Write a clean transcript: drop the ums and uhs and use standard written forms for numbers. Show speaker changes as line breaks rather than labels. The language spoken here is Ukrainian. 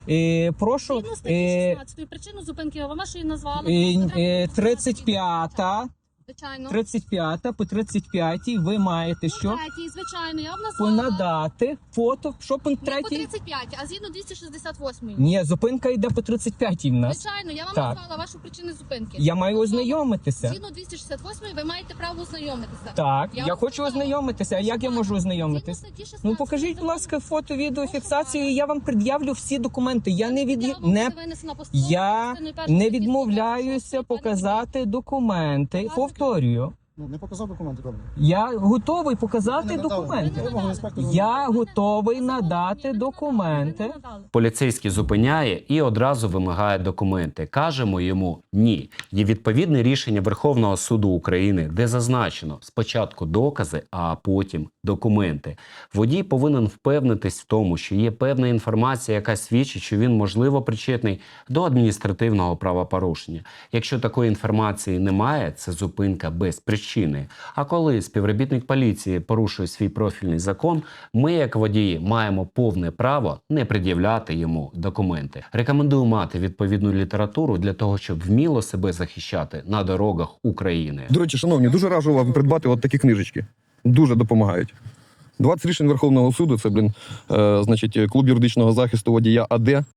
Прошу,
Згідно статті 16 причину зупинки ви вашої назвали.
35-та,
Звичайно.
35-та по 35-й ви маєте що?
Третій, звичайно, я вам назвала.
Понадати фото. Що пункт
Не по
3?
35, а згідно 268.
Ні, зупинка йде по 35-й в нас.
Звичайно, я вам
Так.
назвала вашу причину зупинки.
Я маю ознайомитися.
Згідно 268 ви маєте право ознайомитися.
Так,
Я
я
вам
хочу
сказала.
ознайомитися. А як я можу
Згідно
ознайомитись?
статті 16
Ну покажіть, будь ласка, фото, відео, фіксацію, і я вам пред'явлю всі документи. Я не не відмовляюся показати документи. Повторюю.
Не показав документи, добре.
Я готовий показати
Ви не надали.
документи.
Вимогу інспектора.
Я готовий надати документи.
Поліцейський зупиняє і одразу вимагає документи. Кажемо йому ні. Є відповідне рішення Верховного суду України, де зазначено спочатку докази, а потім документи. Водій повинен впевнитись в тому, що є певна інформація, яка свідчить, що він можливо причетний до адміністративного правопорушення. Якщо такої інформації немає, це зупинка без причини. А коли співробітник поліції порушує свій профільний закон, ми, як водії, маємо повне право не пред'являти йому документи. Рекомендую мати відповідну літературу для того, щоб вміло себе захищати на дорогах України.
До речі, шановні, дуже раджу вам придбати от такі книжечки. Дуже допомагають. 20 рішень Верховного суду, це, значить, клуб юридичного захисту водія АД.